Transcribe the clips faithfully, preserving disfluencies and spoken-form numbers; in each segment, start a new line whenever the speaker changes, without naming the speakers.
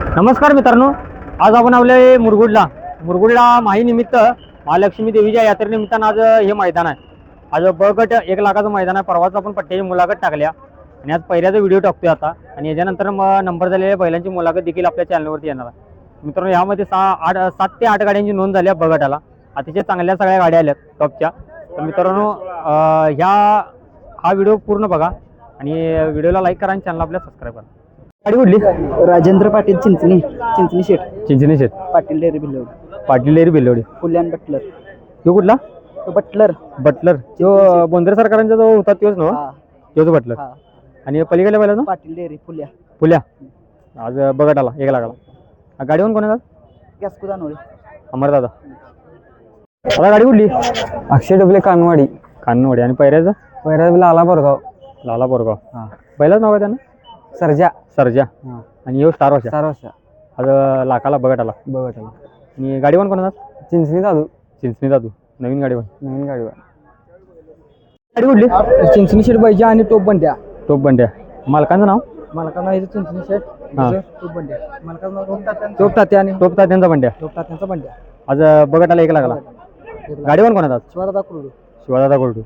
नमस्कार मित्रांनो, आज आपण आपले मुरगुडला मुरगुडला माहीनिमित्त महालक्ष्मी देवीच्या यात्रेनिमित्तानं आज हे मैदान आहे. आज ब गट एक लाखाचं मैदान आहे. परवाच आपण पट्ट्याची मुलाखत टाकल्या आणि आज पहिल्याचा व्हिडिओ टाकतोय आता आणि याच्यानंतर मग नंबर झालेल्या बैलांची मुलाखत देखील आपल्या चॅनलवरती येणार आहे. मित्रांनो, यामध्ये सहा आठ सात ते आठ गाड्यांची नोंद झाली आहे. ब गटाला अतिशय चांगल्या सगळ्या गाड्या आल्यात टॉपच्या. तर मित्रांनो, ह्या हा व्हिडिओ पूर्ण बघा आणि व्हिडिओला लाईक करा आणि चॅनल आपल्या सबस्क्राईब करा. गाडी कुठली?
राजेंद्र पाटील चिंचणी चिंचणी शेठ
चिंचणी शेठ
पाटील डेअरी बिल्लोड
पाटील डेअरी बिल्लोडी.
फुल्यान बटलर.
तो कुठला?
तो बटलर
बटलर तो बोंद्रे सरकारांचा जो होता तोच ना? तोच बटलर. आणि पलीकडे पहिला
पाटील डेअरी फुल्या
फुल्या. आज बघत आला एक लाखाला. गाडीवर कोण आहे?
गॅस कुदानोळे
अमर दादा. आता गाडी कुठली?
अक्षय डबले कानवाडी
कानवाडी. आणि पैऱ्याचं?
पैरा लाला बोरगाव.
लाला बोरगाव. हा, पहिलाच नाव आहे त्यांना?
सरजा.
सरजा. आणि यो स्टार वर्षा.
चार वर्ष
आज लाखाला बघत आला.
बघत आला.
आणि गाडीवर कोण आहे?
चिंचणी दादू.
चिंचणी दादू. नवीन गाडीवर.
नवीन गाडीवर.
गाडी कुठली?
चिंचणी शेठ पाहिजे आणि टोप बंड्या.
टोप बंड्या. मालकांचं नाव?
मालकाचं नाव चिंचणी शेठ.
हा,
टोप बंड्या. मालकाचं नाव टोप तात्या. आणि
टोप तात्यांचा बंड्या.
टोप तात्यांचा बंड्या.
आज बघत आला एक लाखाला. गाडीवर कोण आहे?
शिवादादा कुरडू.
शिवादादा कोरडू.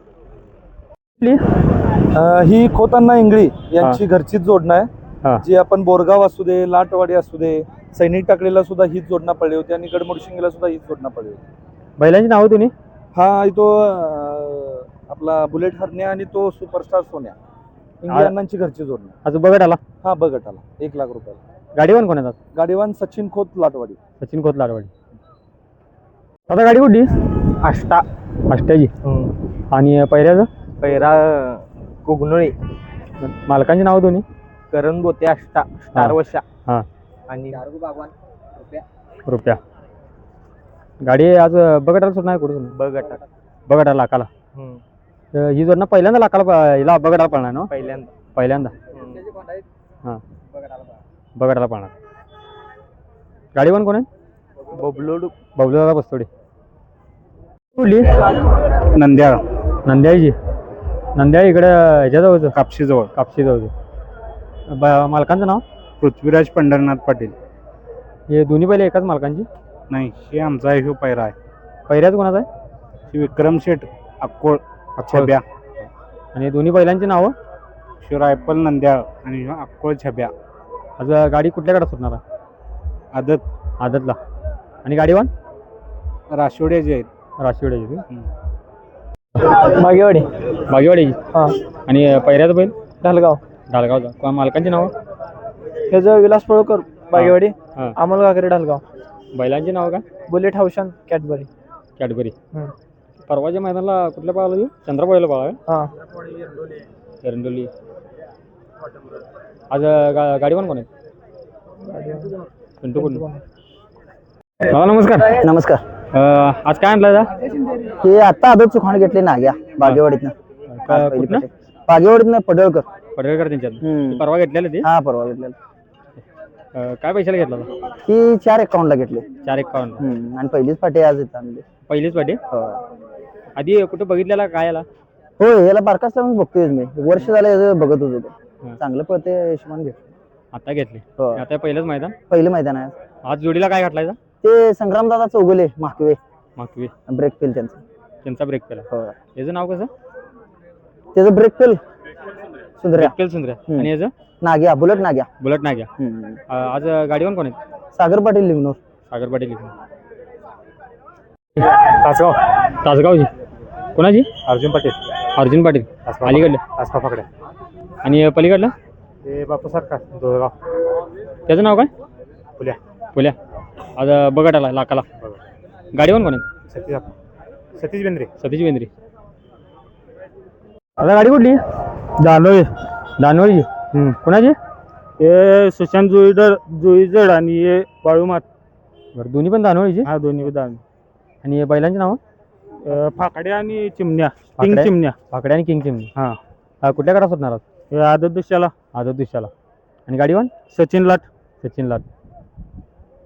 ही खोतांना इंगळी यांची घरचीच जोडणं आहे. जी आपण बोरगाव असू दे, लाटवाडी असू दे, सैनिक टाकलेला सुद्धा हीच जोडणं पडली होती आणि गडमुडशिंगीला सुद्धा हीच जोडणं पडली होती.
बैलांची नाव तुम्ही?
हा, तो आपला बुलेट हरण्या आणि तो सुपरस्टार सोन्या, इंगळी अण्णांची घरची जोडणं.
आज बघत आला.
हा, बघत आला एक लाख रुपयाला.
गाडीवर कोण येतात?
गाडीवान सचिन खोत लाटवाडी.
सचिन खोत लाटवाडी. आता गाडी कुठली?
आष्टा.
अष्ट्याची. आणि पहिल्याचं?
पैरा कुगनोळी.
मालकांची नाव दोन्ही?
करण गोते आष्टा. स्टार वर्षा.
हा.
आणि
रुपया. गाडी आज बघटाला सुद्धा नाही कुठे?
बघटा.
बघटा लाखाला. ही जोडणं पहिल्यांदा लाखाला हिला बघटाला पळणार ना?
पहिल्यांदा
पहिल्यांदा. हा, बघटाला पळणार. गाडीवर कोण आहे?
बबलोड.
बबलू दादा बस्तोडे. कुठली?
नंद्याळ.
नंद्याळीची. नंद्याळ इकडे ह्याच्याजवळचं
कापशी जवळ.
कापशी जवळचं. मालकांचं नाव?
पृथ्वीराज पंढरनाथ पाटील.
हे दोन्ही पहिले एकाच मालकांची?
नाही, हे आमचा आहे, पैरा आहे.
पहिल्याच कोणाचा आहे?
श्री विक्रम शेठ अक्कोळ छब्या.
आणि दोन्ही बैलांची नावं?
श्री रायफल नंद्याळ आणि अक्कोळ छब्या.
आज गाडी कुठल्याकडे सुटणार आहे?
आदत.
आदतला. आणि गाडीवर?
राशिवड्याची आहेत.
राशिवड्याची.
बागेवाडी.
बागेवाडीची.
हा.
आणि पहिल्याचं बैल?
ढालगाव.
ढालगावचा. मालकांची नावं?
ह्याचं विलास पळकर बागेवाडी.
हां.
अमोल घागरे ढालगाव.
बैलांची नावं का?
बुलेट हाऊशन कॅडबरी.
कॅडबरी. परवाच्या मैदानाला कुठल्या पाहायला देऊ? चंद्रपाळीला पाहा.
हां.
एरंडोली. आज गा गाडीवर कोण आहे? पिंटू कुंटू. दादा नमस्कार.
नमस्कार.
आज काय आणलं?
हे आता आदत सुखाण घेतले नाग्या बागेवाडीतनं.
कुठनं?
बागेवाडीतनं पडळकर.
पडवेकर त्यांच्यात परवा घेतलेलं ते?
हा, परवा घेतलेलं.
काय पैशाला घेतला होता?
ही चार एकाउंटला घेतले.
चार एकावन्न.
आणि पहिलीच पाठी आज येत आणली.
पहिलीच पाठी? आधी कुठे बघितलेला काय याला?
हो, याला बारकाच लावून बघतोय मी. वर्ष झालं याचं बघत होतो. चांगलं पळते हिशोबाने घेतलं.
आता घेतले? आता पहिलंच मैदान?
पहिलं मैदान आहे.
आज जोडीला काय घातलाय?
ते संग्रामदादा चौगुले माकवे.
माकवे.
ब्रेक फेल त्यांचा.
त्यांचा ब्रेक फेल. याचं नाव कसं?
त्याचं ब्रेक फेल सुंदर्या.
ब्रेक फेल सुंदर्या. आणि याचं?
नाग्या. बुलेट नाग्या.
बुलेट नाग्या. आज गाडीवर कोण आहेत?
सागर पाटील लिंगनूर.
सागर पाटील लिंगनूर. तासगाव. तासगावची. कोणाची?
अर्जुन पाटील.
अर्जुन पाटील. अलीकडलं?
आसपा पकड्या.
आणि पलीकडलं?
ते बापू सरकार दोरगाव.
त्याचं नाव काय?
फुल्या.
फुल्या. आज बघत आला लाखाला. गाडीवर कोण आहे?
सतीश सतीश बेंद्रे.
सतीश बेंद्रे. आता गाडी कुठली?
दानोळी.
दानोळीची. कोणाची?
हे सुशांत जुईडर जुईजड आणि हे बाळूमात.
बरं, दोन्ही पण दानोळीची?
हा, दोन्ही दान.
आणि बैलांची नावं?
फाकड्या आणि चिमण्या. किंग चिमण्या.
फाकड्या आणि किंग चिमणी.
हा.
कुठल्या कडा सुटणार?
आदत दिशाला.
आदत दिशाला. आणि गाडीवर?
सचिन लाट.
सचिन लाट.